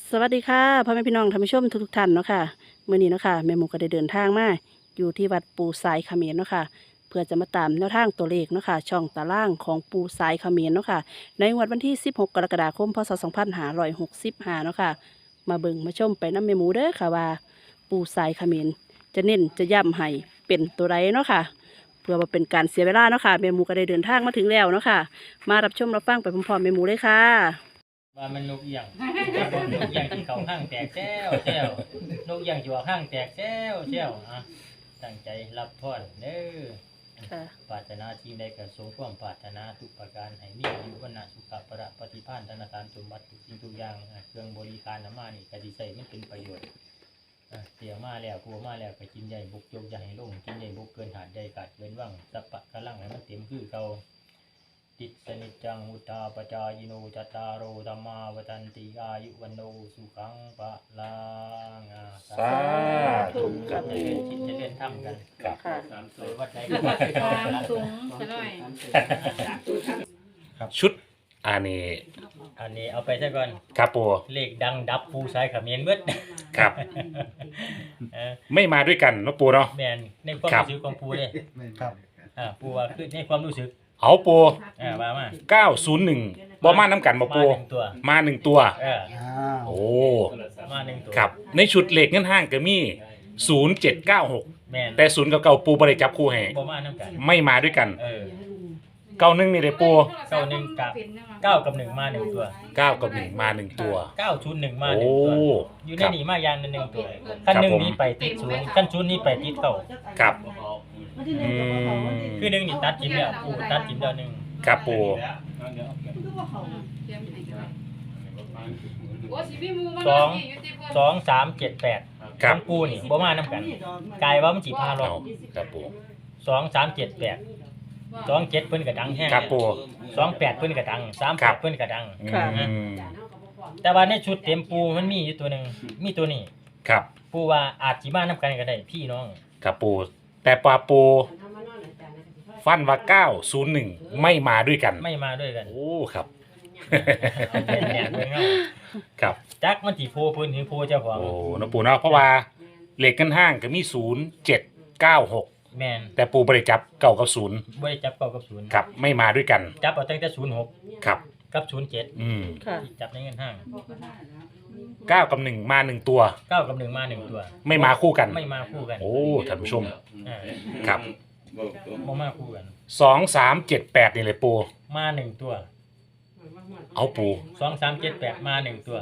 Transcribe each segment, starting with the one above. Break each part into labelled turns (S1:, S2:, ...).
S1: สวัสดีค่ะพ่อแม่พี่น้องท่านผู้ชมทุกท่านเนาะค่ะมื้อนี้เนาะค่ะแม่หมูก็ได้เดินทางมาอยู่ที่วัดปูสายเขมรเนาะค่ะเพื่อจะมาตามแนวทางตัวเลขเนาะค่ะช่องตารางของปูสายเขมรเนาะค่ะในงวดวันที่16กรกฎาคมพศ2565เนาะค่ะมาเบิ่งมาชมไปน้ำแม่หมูเด้อค่ะว่าปูสายเขมรจะเน้นจะย้ำให้เป็นตัวใดเนาะค่ะเพื่อมาเป็นการเสียเวลาเนาะค่ะแม่หมูก็ได้เดินทางมาถึงแล้วเนาะค่ะมารับชมรับฟังไปพร้อมๆแม่หมูเลยค่ะ
S2: ว่ามันนกเอียงนกเอียงที่เขาห้างแตกแซวนกเอียงที่ว่าห้างแตกแซวอ่ะตั้งใจรับพรเด้อ
S1: ค่ะ
S2: ปรารถนาสิ่งใดก็สมความปรารถนาทุกประการให้มีอายุวันะสุขภะปฏิภาณธนาคารสมบัติทุกสิ่งทุกอย่างเครื่องบริการน้ำมานี่ก็สิใช้มันเป็นประโยชน์เสียมาแล้วกลัวมาแล้วก็กินใหญ่บุกยกใหญ่ลงกินใหญ่บุกเกินหาดใหญ่ขาดเกินว่างสัพพะกะลังให้มันเต็มคือเก่าติสนิจจังอุตตาปจายโนจัตตารโอธัมมาวทันติอายุวันโนสุขังปะลัง
S3: สาธุครับ
S2: จะเล่นคิดจะเล่นทำกัน
S3: ครับ
S1: ค่ะ
S2: เลยวัดใดก็วัดไปก่อนนะ
S4: สูงซะหน่อย
S3: ชุดอันนี้
S2: อันนี้เอาไปซะก่อน
S3: ครับปู
S2: เลขดังดับปูสายเขมิ้นเบิด
S3: ครับ ไม่มาด้วยกันเนาะปูเนาะ
S2: แมนในความ
S3: ครับ
S2: รู้สึกของปูเลย
S5: ครับ
S2: ปูว่าคือในความรู้สึก
S3: เอาปู
S2: ว่ามา
S3: 901บ่มาน้ำกันบ่ปู
S2: มาหนึ่งตัว
S3: มาหนึ่งตัว
S5: อ้าว
S3: โอ้
S2: มาหนึ่งตัว
S3: ครับ ในชุดเหล็กเงินห้างก็มี0796
S2: แมน
S3: แต่ศูนย์กับเก่าปูบ่ได้จับคู่ให้
S2: บ่มาน้ำกัน
S3: ไม่มาด้วยกัน 91นี่เลยปู
S2: เก้าหนึ่งกับ เก้ากับหนึ่งมาหนึ่งตัว
S3: 9กับ1มาหนึ่งตัว
S2: 901มาห
S3: โอ้
S2: นึ่งตัวอยู่ใน
S3: ครับ
S2: นี้มาอย่างหนึ่งตัวขั้นหนึ่ง
S3: ครับผม
S2: นี้ไปติดศูนย์ขั้นศูนย์นี้ไปติดเก้า
S3: ครับอืม
S2: คือหนึ่งนี่ตัดจิ้มแล้วปูตัดจิ้มแล้วหนึ่ง
S3: ครับปู
S2: 2 3 7 8
S3: ครับ
S2: ของปูนี่บ่มาน้ำกันกลายว่ามันสิพาล
S3: เอา
S2: ง
S3: ครับปู
S2: 2 3 7 8 2 7เพิ่นก็ดังแห้ง
S3: ครับปู
S2: 2 8เพิ่นก็ดัง3
S3: ครับ
S2: 8เพิ่นก็ดัง
S1: ค่ะ
S3: อืม
S2: แต่ว่าในชุดเต็มปูมันมีอยู่ตัวหนึงมีตัวนี้
S3: ครับ
S2: ปูว่าอาจสิมานํกันก็ได้พี่น้อง
S3: ครับปูแต่ปลาปูฟันว่า901ไม่มาด้วยกัน
S2: ไม่มาด้วยกัน
S3: โอ้ครับ
S2: เอาเป็นแหนกเลยเนาะ
S3: ครับ
S2: จักมันสิโพเพิ่นถึงโพเจ้าของ
S3: โอ้นะปูเนาะเพราะว่าเหล็กกันห้างก็มี0796
S2: แม่น
S3: แต่ปูบริจับเก่ากับศูนย์
S2: บ่ได้จับเก้ากับ0
S3: ครับไม่มาด้วยกัน
S2: จับเอาตั้งแต่06
S3: ครับ
S2: กับ07
S3: อืม
S1: ค่ะ
S2: ที่จับในเงินห้าง
S3: 9กับ1มา1ตัว
S2: 9กับ1มา1ตัว
S3: ไม่มาคู่กัน
S2: ไม่มาคู่กัน
S3: โอ้ท่านผู้ชม
S2: อ่า
S3: ครับ
S2: บ่มาคู่กัน
S3: 2378นี่เลยปู
S2: มา1ตัว
S3: เอาปู
S2: 2 3 7 8มา1ตัว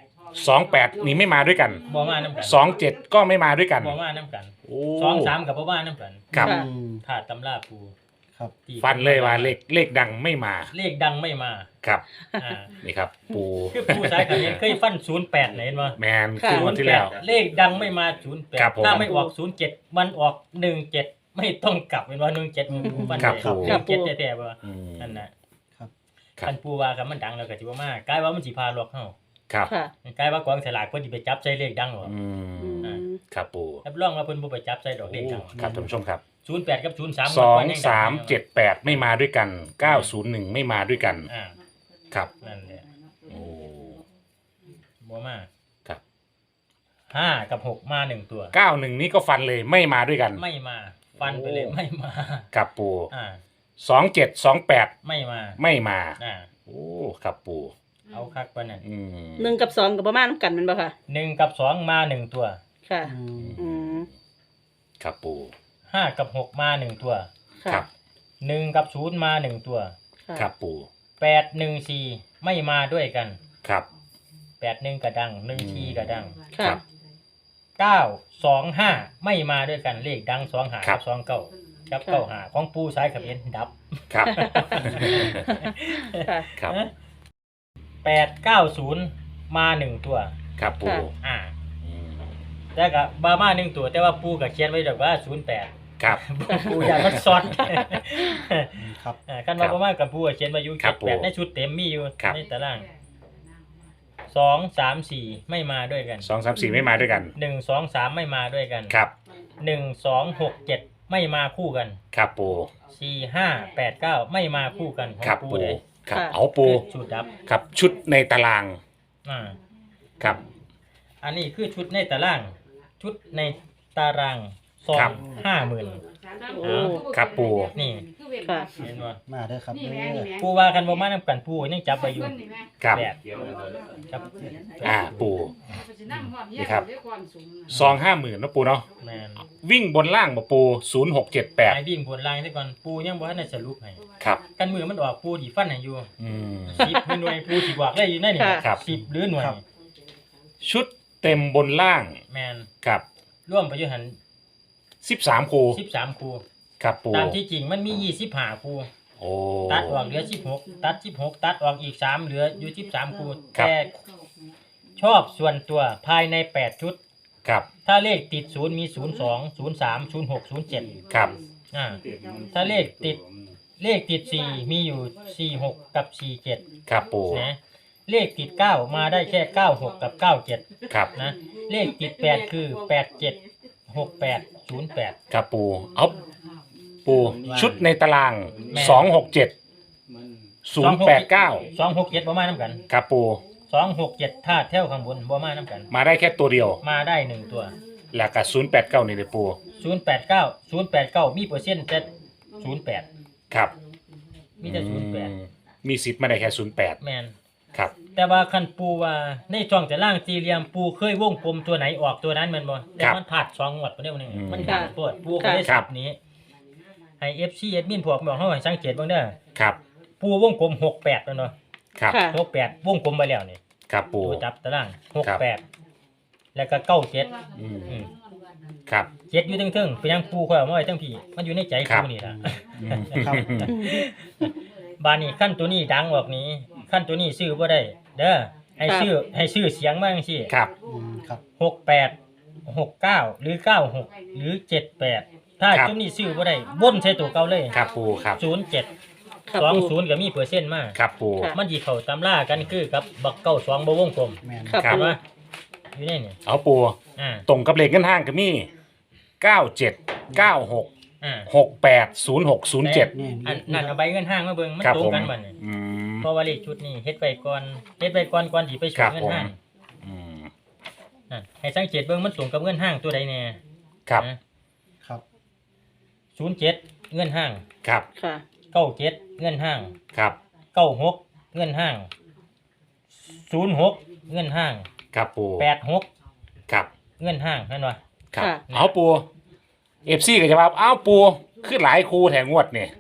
S3: 28นี่ไม่มาด้วยกัน
S2: บ่มานํกัน
S3: 27ก็ไม่มาด้วยกัน
S2: บ่มานํกัน
S3: โอ้
S2: 2 3กับบ่มานํกัน
S3: ครับ
S1: ค่ะ
S2: ถ้าตำราปู
S5: ครับ
S2: ที่
S3: ฟันเลยว่าเลขดังไม่มา
S2: เลขดังไม่มา
S3: ครับ
S2: อ่า
S3: นี่ครับ ปู
S2: คือปูสายกับเห็นเคยฟัน08เห็นบ่
S3: แมนคือวันที่แล้ว
S2: เลขดังไม่มา
S3: ครับผม
S2: 08ถ้าไม่ออก07มันออก17ไม่ต้องกลับเป็นว่า17มัน
S3: ครับ
S2: เลย
S3: ผม
S2: 17แท้ๆบ่
S3: อืม
S2: นั่นน่ะ
S3: ครับ
S2: คันปูว่ากับมันดังแล้วก็สิบ่มากลายว่ามันสิพาลวกเฮา
S3: ครับ
S1: ค่ะ
S2: กลายว่ากองสลากเพิ่นสิไปจับใส่เลขดังหรอ
S3: อืมครับปู
S2: รับรองว่าเพิ่นบ่ไปจับใส่ดอกเล
S3: โอ้
S2: ขดัง
S3: ครับท่านผู้ชมครับ
S2: 08กับ03
S3: 2378ไม่มาด้วยกัน901ไม่มาด้วยกัน ครับ
S2: นั่นแหละ
S3: โอ้
S2: บ่มา
S3: ครับ
S2: 5กับ6มา1ตัว
S3: 91นี้ก็ฟันเลยไม่มาด้วยกัน
S2: ไม่มา ฟันไปเลย
S3: โอ้
S2: ไม่มา
S3: ครับปู
S2: อ่า
S3: 2728
S2: ไม่มา
S3: ไม่มา
S2: อ่า
S3: โอ้ครับปู
S2: เอาคักปานนั้น
S3: อืม
S1: 1กับ2กับประมาณน้ำกันแมันบ่ค่ะ
S2: 1กับ2มา1ตัว
S1: ค่ะ
S5: อืม
S1: อืม
S3: ครับปู
S2: 5กับ6มา1ตัว
S1: ค่ะ
S3: ครับ
S2: 1กับ0มา1ตัว
S1: ค่ะ
S3: ครับปู
S2: 8 1 4ไม่มาด้วยกัน
S3: ครับ
S2: 8 1กระดัง1 4กระดัง
S1: ค่ะ
S2: 9 2 5ไม่มาด้วยกันเลขดัง2 5
S3: ครั
S2: กับ บ2 9กับ9 5ของปูสายเขมิ้นดับ
S3: ครับ
S1: ค่ะ
S3: ครับ
S2: 8 9 0มา1ตัว
S3: ครับปู
S1: ค่ะ
S2: อ่า
S3: อืม
S2: แต่กับบามา1ตัวแต่ว่าปูก็เขียนไว้ดอกว่า08
S3: ครับ
S2: ปูอยากมันซ้อน
S5: ครับ
S2: กันว่าประมาณกับปูก็เขียนไว้อยู่
S3: ครับผม
S2: 78ในชุดเต็มมีอยู่
S3: ครับ
S2: ในตาราง2 3 4ไม่มาด้วยกัน
S3: 234ไม่มาด้วยกัน
S2: 1 2 3ไม่มาด้วยกัน
S3: ครับ
S2: 1 2 6 7ไม่มาคู่กัน
S3: ครับปู
S2: 4 5 8 9ไม่มาคู่กันของ
S3: ครับ
S2: ปู
S3: ปู
S2: เลย
S3: ครับ
S1: ค่ะ
S3: เอาปู
S2: ชุดดับ
S3: ครับชุดในตาราง
S2: อ่า
S3: ครับ
S2: อันนี้คือชุดในตาราง ชุดในตารางซอ
S3: ครั
S2: ง
S3: บ
S2: 50,000
S1: โอ้
S3: ครับปู
S2: นี่
S1: ค่ะ
S2: เห็นบ่
S5: มาเด้อครับเด้อ
S2: ปูว่ากันบ่มานำกันปูยังจับไปอยู่
S3: ครับ
S2: แบบจับ
S3: ปู
S4: นี่
S3: นี่
S4: ค
S3: ค
S4: รั
S3: รั
S4: บบ
S3: ซอง50,000นะปูเนาะ
S2: แม่น
S3: วิ่งบนล่างบ่ปู
S2: ให้วิ่งบนล่างซะก่อนปูยังบ่ทันได้สรุปให้
S3: 0678ครับ
S2: กันมือมันออกปูสิฟันให้อยู่
S3: อืม
S2: 10หน่วยปูสิบอกได้อยู่ในนี่
S1: ค่ะ
S3: ครับ
S2: 10หรือหน่วย
S3: ชุดเต็มบนล่าง
S2: แม่น
S3: ครับ
S2: ร่วมไปอยู่หัน
S3: 13คู
S2: 13คู่
S3: ครับปู
S2: ตามที่จริงมันมี25คู่
S3: โอ้
S2: ตัดออกเหลือ16ตัด16ตัดออกอีก3เหลืออยู่13คู่
S3: ครับ
S2: แต่ชอบส่วนตัวภายใน8ชุด
S3: ครับ
S2: ถ้าเลขติด0มี02 03 06 07
S3: ครับ
S2: ถ้าเลขติด4มีอยู่46กับ47
S3: ครับปู
S2: นะเลขติด9มาได้แค่96กับ97
S3: ครับ
S2: นะเลขติด8คือ87 68 08
S3: ครับปูเอาปูชุดในตาราง
S2: แม่
S3: 267 089
S2: 267บ่มานํกัน
S3: ครับปู
S2: 267ถ้าแถวข้างบนบ่มานํกัน
S3: มาได้แค่ตัวเดียว
S2: มาได้1ตัว
S3: แล้วก็089นี่เลยปู
S2: 089มีเปอร์เซ็นต์แต่08
S3: ครับ
S2: มีแต่
S3: มีสิทธิ์มาได้แค่
S2: 08แม่น
S3: 08ครับ
S2: แต่ว่าคันปูว่าในช่องแต่ล่างสี่เหลี่ยมปูเคยวงกลมตัวไหนออกตัวนั้นแม่นบ่แต่มันพลาด2งวดบ่ได้บ่นึงมันดังโพดปูก็ได้สับนี้ให้ FC แอดมินพวกบอกเฮาให้สังเกตเบิ่งเด้อ
S3: ครับ
S2: ปูวงกลม68แม่นบ่
S3: ครับ
S1: ค่ะ
S2: 68วงกลมไปแล้วนี่
S3: ครับปู
S2: ตัวจับตาราง
S3: ครับ
S2: 68แล้วก็97
S3: อืม
S2: อืม
S3: ครับ
S2: เจ็ดอยู่เทิงๆไปยังปูค่อยเอามาไว้ทั้งพี่มันอยู่ในใจ
S3: ครับ
S2: ปูนี่ล่ะ
S3: อืม
S5: ครับ
S2: บานนี้ขั้นตัวนี้ดังออกนี้ขั้นตัวนี้ซื้อบ่ได้เด้อให้ซื้อเสียงมาจังซี่
S3: ครับ
S5: ครับ
S2: 68 69หรือ96หรือ78ถ้าจุดนี้ซื้อบ่ได้บนใช้ตัวเก่าเลย
S3: ครับปูครับ
S2: 07
S1: ครับปู
S2: 20ก็มีเปอร์เซ็นต์มา
S3: ครับปู
S1: ค่ะ
S2: มันสิเข้าตำรากันคือกับบัก92บ่วงกลม
S5: แม่น
S1: ครับ
S2: เห็น
S1: ปู
S2: บ่อยู่ในนี่
S3: เอาปู
S2: อ่า
S3: ตรงกับเลขเงินห้างก็มี97 96
S2: อ่า
S3: 68 06 07
S5: นี่
S2: อันนั่นเอาใบเงินห้างมาเบิ่งมัน
S3: ครับ
S2: ตรง
S3: ผม
S2: กันบัดนี้
S3: อืม
S2: เพราะว่าเลขชุดนี้เฮ็ดไปก่อนก่อนที่ไป
S3: ค
S2: ส่
S3: รั
S2: ง
S3: บ
S2: เงิน
S3: ผม
S2: ห้าง
S3: อืม
S2: ให้สังเกตเบิ่งมันส่งกับเงินห้างตัวใดแน่
S3: ครับ
S5: ครับ
S2: 07เงินห้าง
S3: ครับ
S1: ค่ะ
S2: 97เงินห้าง
S3: ครับ
S2: 96เงินห้าง06เงินห้าง
S3: ครับปู
S2: 86
S3: ครับ
S2: เงินห้างเห็นบ่
S3: ครับ
S1: ค่ะ
S3: เอาปูเอฟซีก็จะว่าเอาปูคือหลายครูแถงงวดเนี่ย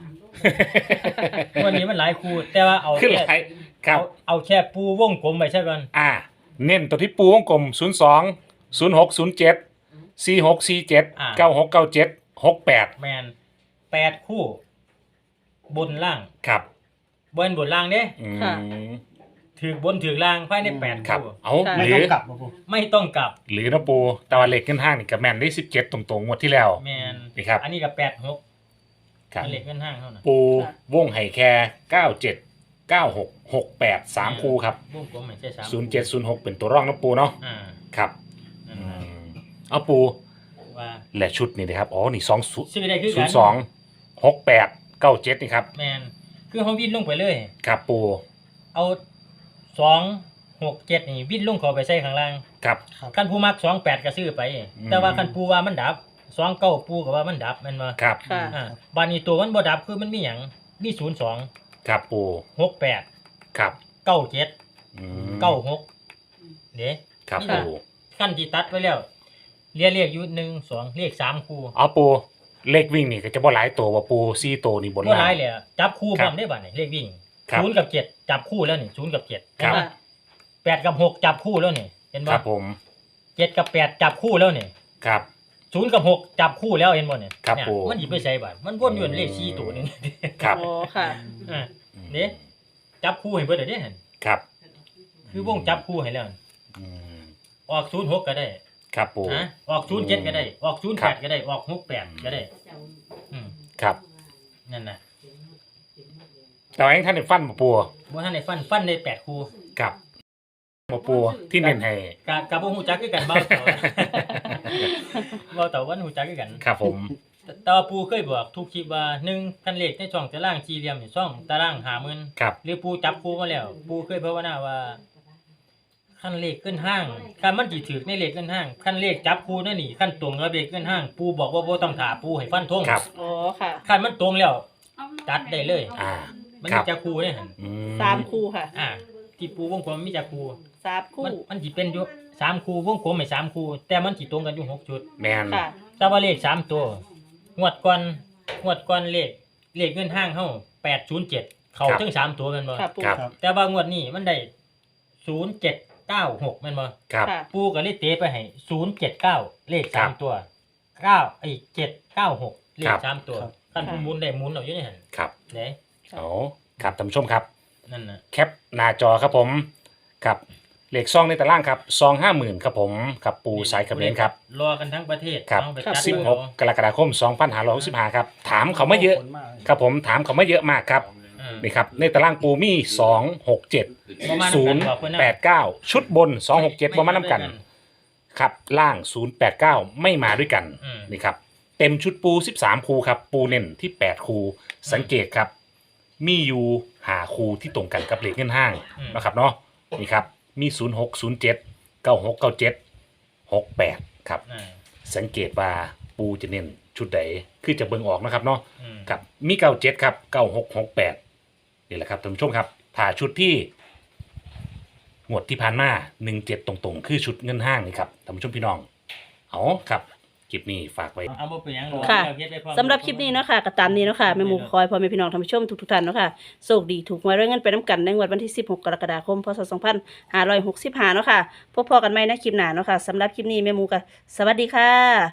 S2: วันนี้มันหลายคู่แต่ว่าเอา
S3: คือห
S2: แค่
S3: ลายครับ
S2: เอาแค่ปูวงกลมไว้ซะก่อน
S3: เน้นตัวที่ปูวงกลม02 06 07 46 47 96 97 68
S2: แม่น8คู่ บนล่าง
S3: ครับ
S2: บนล่างเด้
S3: อืม
S1: ค่ะ
S2: ถือบนถือล่างภายใน8
S3: ครับ
S2: คู่
S3: เอา
S1: ค่ะ
S3: ห
S5: ไม่
S3: รือ
S5: ต้องกลับบ่ปู
S2: ไม่ต้องกลับ
S3: หรือนะปูแต่ว่าเลขขึ้นห้างนี่กับแมนได้17ตรงๆงวดที่แล้ว
S2: แม่น
S3: นี่ครับ
S2: อันนี้ก็86
S3: ครับ
S2: อันเล็กเงินห้างเท่านั้น
S3: ปูวงไห่แค่97 96 68 3คู่ครับ
S2: วงกลมไม่ใช่3
S3: 07 06 เป็นตัวร่องนะปูเนาะ
S2: อ่า
S3: ครับ
S2: นั่น
S3: อื
S2: ล่ะ
S3: มเอาปู
S2: ว่า
S3: และชุดนี่นะครับอ๋อนี่2
S2: ซื้อได้คือกัน
S3: 02 68 97นี่ครับ
S2: แม่นคือเฮาวิ่งลงไปเลย
S3: ครับปู
S2: เอา267นี่วิ่งลงเข้าไปใส่ข้างล่าง
S3: ครับ
S5: ครับ
S2: คันผู้มัก28ก็ซื้อไป
S3: อืม
S2: แต่ว่าคันปูว่ามันดับ29ปูก็ว่ามันดับแม่นบ่
S3: ครับ
S1: ค่ะ
S2: บานนี้ตัวมันบ่ดับคือมันมีหยังมี02
S3: ครับปู
S2: 68
S3: ครับ
S2: 97
S3: อืม
S2: 96เด้
S3: ครับ
S2: นี่
S3: ปู
S2: ล่ะ ขั้นที่ตัดไว้แล้วเรียกอยู่1 2เลข3คู่
S3: เอาปูเลขวิ่งนี่ก็จะบ่หลายตัวว่าปู4ตัวนี่บน
S2: บ่ห
S3: ล่า
S2: ลาย
S3: ง
S2: เลยอะจับคู่พ
S3: ครั
S2: ร้อบ มได้บัดนี้เลขวิ่ง
S3: ครับ
S2: 0กับ7จับคู่แล้วนี่0กับ7
S3: ครับ
S2: เห็นปะ8กับ6จับคู่แล้วนี่เห็น
S3: ค
S2: บ่
S3: รับผม
S2: 7กับ8จับคู่แล้วนี่
S3: ครับ
S2: 0กับ6จับคู่แล้วเห็นบ่เนี่ย
S3: ครับ
S2: เนี่ย
S3: ผม
S2: มันสิไปใส่บัดมันวนอยู่ในเลข4ตัวหนึง
S3: ครับ
S1: อ๋อค่ะ
S2: อ่าเด้จับคู่ให้เบิดเด้หั่น
S3: ครับ
S2: คือวงจับคู่ให้แล้ว
S3: อืม
S2: ออก06ก็ได้
S3: ครับปู
S2: ฮะออก07ก็ได้ออก
S3: ครับ
S2: 08ก็ได้ออก68ก็ได้อืม
S3: ครับ
S2: นั่นน่ะ
S3: แต่ว่ายังท่านได้ฟันบ่ปู
S2: บ่ทันได้ฟันได้8คู่
S3: ครับบ่ปูที่เน้นให้
S2: กะบ่ฮู้จักคือกันเบาเต่า เบาเต่าวันฮู้จักคือกัน
S3: ครับผม
S2: แต่ว่าปูเคยบอกทุกคลิปว่า1คันเลขในช่องตารางสี่เหลี่ยมนี่ช่องตาราง50,000
S3: ครับ
S2: หรือปูจับคู่มาแล้ว ปูเคยภาวนาว่าขั้นเลขขึ้นห้างขั้นมันสิถือในเลขขึ้นห้างขั้นเลขจับคู่นั่นนี่ขั้นตรงกับเลขขึ้นห้าง ปูบอกว่าบ่ต้องถาปูให้ฟันธง
S3: ครับ
S1: อ๋อค่ะ
S2: ขั้นมันตรงแล้วจัดได้เลย
S3: อ่า
S2: มัน
S3: ครั
S2: มี
S3: บ
S2: จักคู่เนี่ยหั่น
S3: อืม
S1: สามคู่ค่ะ
S2: ที่ปูวงกลมมีจักคู่
S1: สามคู่
S2: มันสิเป็นอยู่3คู่วงกลมให้3คู่แต่มันสิตรงกันอยู่6ชุด
S3: แมน
S1: ค่ะ
S2: แต่ว่าเลข3ตัวงวดก่อนเลขเงินห้างเฮา807เข้าถึง3ตัวแม่นบ่
S1: ค่ะปู
S3: ครับ
S5: ครับ
S2: แต่ว่างวดนี้มันได้0796แม่นบ่
S3: ครับ
S1: ค่ะ
S2: ปูก็เลยเตะไปให้079เลข
S3: ครับ
S2: 3ตัว796เลข3ตัว
S5: ครับ
S2: คันผู้หมุนได้หมุนเอาอยู่ในหั่น
S3: ครับ
S2: เด้
S3: เอาครับท่านผู้ชมครับ
S2: นั่นน่ะ
S3: แคปหน้าจอครับผมครับเลขซองในตารางครับซอง50,000ครับผมครับปูสายเขมรครับ
S2: รอกันทั้งประเทศ
S3: ครับ
S2: เอาไปจัด
S3: 16 กรกฎาคม 2565ครับถามเขามาเยอะ
S5: ขบคุณมากเลย
S3: ครับผมถามเขามาเยอะมากครับ
S2: อืม
S3: นี่ครับในตารางปูมี2 6 7
S2: ประมาณนั้นบอกเพิ่นนะ
S3: 0 8 9 ชุดบน 2 6 7ประมาณน้ำกันครับล่าง 0 8 9 ไม่มาด้วยกัน
S2: อืม
S3: นี่ครับเต็มชุดปู13คูครับปูเน้นที่8คูสังเกตครับ มีอยู่หาคูที่ตรงกันกับเลขเงินห้างนะครับเนาะนี่ครับมี 0 6 0 7 9 6 9 7 6 8ครับ
S2: อ่า
S3: สังเกตว่าปูจะเน้นชุดใดคือจะเบิ่งออกนะครับเนาะ
S2: อืม
S3: ครับมี97ครับ9668นี่แหละครับท่านผู้ชมครับถ้าชุดที่งวดที่ผ่านมา17ตรงๆ คือชุดเงินห้างนี่ครับท่านผู้ชมพี่น้องเอาครับคลิปนี้ฝากไว้
S2: เอาบ่เป็นหยัง
S1: ค่ะ
S2: เอาเฮ็ดไว้พร้อม
S1: สำหรับคลิปนี้เนาะค่ะก็ตามนี้เนาะค่ะแม่หมูคอยพ่อแม่พี่น้องท่านผู้ชมทุกๆท่านเนาะค่ะโชคดีถูกหวยรวยเงินไปน้ำกันในงวดวันที่16 กรกฎาคมพศ2565เนาะค่ะพบพอกันใหม่ในคลิปหน้าเนาะค่ะสำหรับคลิปนี้แม่หมูก็สวัสดีค่ะ